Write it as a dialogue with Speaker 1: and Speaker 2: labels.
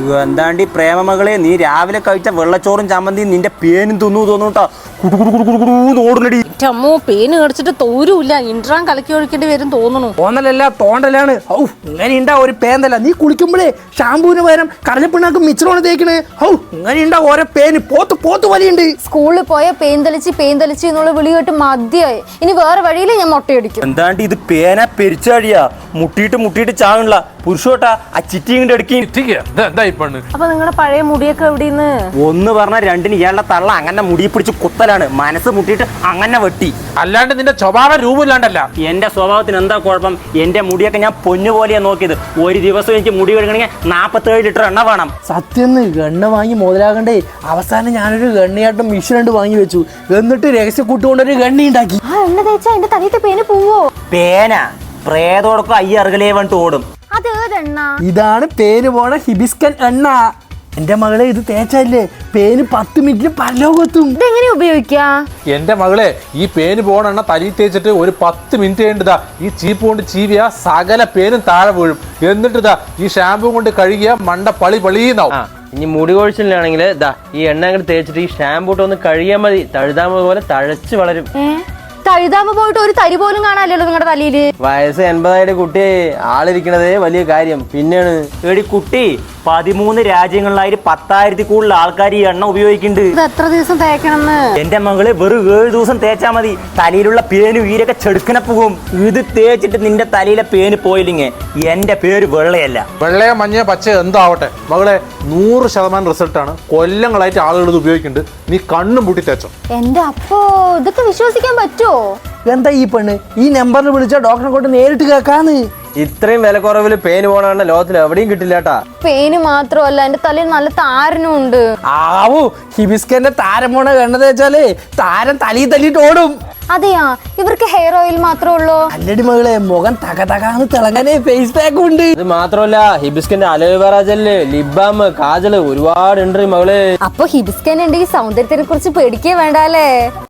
Speaker 1: എന്താണ്ടി പ്രേമമകളെ, നീ രാവിലെ കഴിച്ച വെള്ളച്ചോറും ചമ്മന്തിയും നിന്റെ പേനും തിന്നു തോന്നൂട്ടാ. ഓടുന്നടി
Speaker 2: അമ്മോ, പേന് കടിച്ചിട്ട് തോരൂല്ല. ഇൻട്രാൻ കലക്കി ഒഴിക്കേണ്ടി വരും തോന്നുന്നു.
Speaker 3: തോന്നലല്ല തോണ്ടലാണ്. ഔ ഇങ്ങനെയുണ്ടാ ഒരു പേന്തല്ല. നീ കുളിക്കുമ്പോഴേ ഷാമ്പൂവിന് പകരം കടലപ്പിണ്ണാക്ക് മിച്ചറോണ് തേക്കണേ. ഔ ഇങ്ങനെയുണ്ടാ ഓരോ പേന്. പോത്ത് വലിയുണ്ട്.
Speaker 4: സ്കൂളിൽ പോയ പേന്തലിച്ച് എന്നുള്ള വിളി കേട്ട് മതിയായി. ഇനി വേറെ വഴിയിൽ ഞാൻ മുട്ടയടിക്കും.
Speaker 1: എന്താണ്ട് ഇത് പേന പെരിച്ചാടിയാ. മുട്ടിയിട്ട് ചാകണില്ല. പുരുഷോട്ടാ ആ ചിറ്റിങ്ങിന്റെ അടുക്കി.
Speaker 2: അപ്പൊ നിങ്ങളുടെ പഴയ മുടിയൊക്കെ എവിടെന്ന്?
Speaker 1: ഒന്ന് പറഞ്ഞ രണ്ടിന് ഇയാളുടെ തള്ള അങ്ങനെ മുടി പിടിച്ച് കുത്തലാണ്. മനസ്സ് മുട്ടിയിട്ട് അങ്ങനെ വെട്ടി.
Speaker 3: അല്ലാണ്ട് നിന്റെ സ്വഭാവ രൂപമില്ലാണ്ടല്ല.
Speaker 1: എന്റെ സ്വഭാവത്തിന് എന്താ കുഴപ്പം? എന്റെ മുടിയൊക്കെ ഞാൻ പൊന്നുപോലെയാ നോക്കിയത്. ഒരു ദിവസം എനിക്ക് മുടി കഴുകണമെങ്കിൽ 47 ലിറ്റർ എണ്ണ വേണം.
Speaker 3: സത്യം എണ്ണ വാങ്ങി മുതലാകണ്ടേ. അവസാനം ഞാനൊരു ഗണ്ണിയാട്ടം മിഷൻ വാങ്ങി വെച്ചു. എന്നിട്ട് രഹസ്യ കൂട്ടുകൊണ്ടൊരു ഗണ്ണി ഉണ്ടാക്കി.
Speaker 4: ആ എണ്ണ തേച്ചാ എന്റെ തലയത്തെ പേന് പോവോ?
Speaker 1: പേന പ്രേതോടൊക്കെ അയ്യറുകലേ വന്നിട്ട് ഓടും.
Speaker 4: അത് ഏതെണ്ണ?
Speaker 3: ഇതാണ് പേര് പോണ ഹിബിസ്കൻ എണ്ണ. എന്റെ മകളെ ഇത് തേച്ചല്ലേ പേന് 10 മിനിറ്റിൽ പരലോകത്തും.
Speaker 4: ഇതെങ്ങനെ ഉപയോഗിക്കാ?
Speaker 5: എന്റെ മകളെ, ഈ പേന് പോണ എണ്ണ തലയിൽ തേച്ചിട്ട് ഒരു 10 മിനിറ്റ് കഴിഞ്ഞിട്ടാ ഈ ചീപ്പ് കൊണ്ട് ചീവിയ സകല പേനും താഴെ വീഴും. എന്നിട്ട് ഈ ഷാമ്പൂ കൊണ്ട് കഴുകിയ മണ്ട പളിന്നാവും.
Speaker 6: ഇനി മുടി കൊഴിച്ചിലാണെങ്കിൽ ഈ എണ്ണ അങ്ങോട്ട് തേച്ചിട്ട് ഈ ഷാമ്പൂ ഒന്ന് കഴുകിയാൽ മതി. തഴുതാമ പോലെ തഴച്ച് വളരും.
Speaker 4: തഴുതാമ പോയിട്ട് ഒരു തരി പോലും കാണാനല്ലോ നിങ്ങളുടെ തലയില്.
Speaker 6: വയസ്സ് 80 കുട്ടി ആളിരിക്കണതേ വലിയ കാര്യം. പിന്നെയാണ്
Speaker 1: എടി കുട്ടി, 13 രാജ്യങ്ങളിലായി 10,000 കൂടുതൽ ആൾക്കാർ ഈ എണ്ണ ഉപയോഗിക്കുന്നുണ്ട്.
Speaker 2: ഇത് എത്ര ദിവസം തേക്കണമെന്ന്?
Speaker 1: എന്റെ മകള് വെറും 7 ദിവസം തേച്ചാ മതി. തലയിലുള്ള പേനും ഈരൊക്കെ ചെടുക്കനെ പോകും. ഇത് തേച്ചിട്ട് നിന്റെ തലയിലെ പേന് പോയില്ലെങ്കിൽ എന്റെ പേര് വെള്ളയല്ല.
Speaker 5: വെള്ളയോ മഞ്ഞയോ പച്ചയോ എന്തോ ആവട്ടെ മകളെ, 100% റിസൾട്ടാണ്. കൊല്ലങ്ങളായിട്ട് ആളുകൾ ഇത് ഉപയോഗിക്കുന്നുണ്ട്. നീ കണ്ണും പൂട്ടി തേച്ചോ.
Speaker 4: എന്റെ അപ്പോ ഇതൊക്കെ വിശ്വസിക്കാൻ പറ്റുമോ?
Speaker 3: എന്താ ഈ പെണ്ണ് ഈ നമ്പറിൽ വിളിച്ച ഡോക്ടറെ കൊണ്ട് നേരിട്ട് കേൾക്കാന്ന്.
Speaker 6: ഇത്രയും വില കുറവിൽ പേന് പോണ ലോകത്തിൽ എവിടെയും കിട്ടില്ലാട്ടാ.
Speaker 4: പേന് മാത്രമല്ല എന്റെ തലയിൽ നല്ല താരനും ഉണ്ട്.
Speaker 3: ആവൂ ഹിബിസ്കന്റെ താരം പോണ എണ്ണ തേച്ചാലേ താരം തലയിൽ തല്ലിട്ട് ഓടും.
Speaker 4: അതെയാ, ഇവർക്ക് ഹെയർ ഓയിൽ മാത്രമേ ഉള്ളൂ?
Speaker 3: അല്ലടി മകളെ, മുഖം തകതകാന്ന് തിളങ്ങാനേ ഫേസ് പാക്ക് ഉണ്ട്.
Speaker 6: ഇത് മാത്രമല്ല, ഹിബിസ്കന്റെ അലോവേറ ജെല്ല്, ലിബാം, കാജല് ഒരുപാട് ഉണ്ട് മകള്.
Speaker 4: അപ്പൊ ഹിബിസ്കൻ ഉണ്ടെങ്കിൽ സൗന്ദര്യത്തിനെ കുറിച്ച് പേടിക്കേ വേണ്ട അല്ലേ?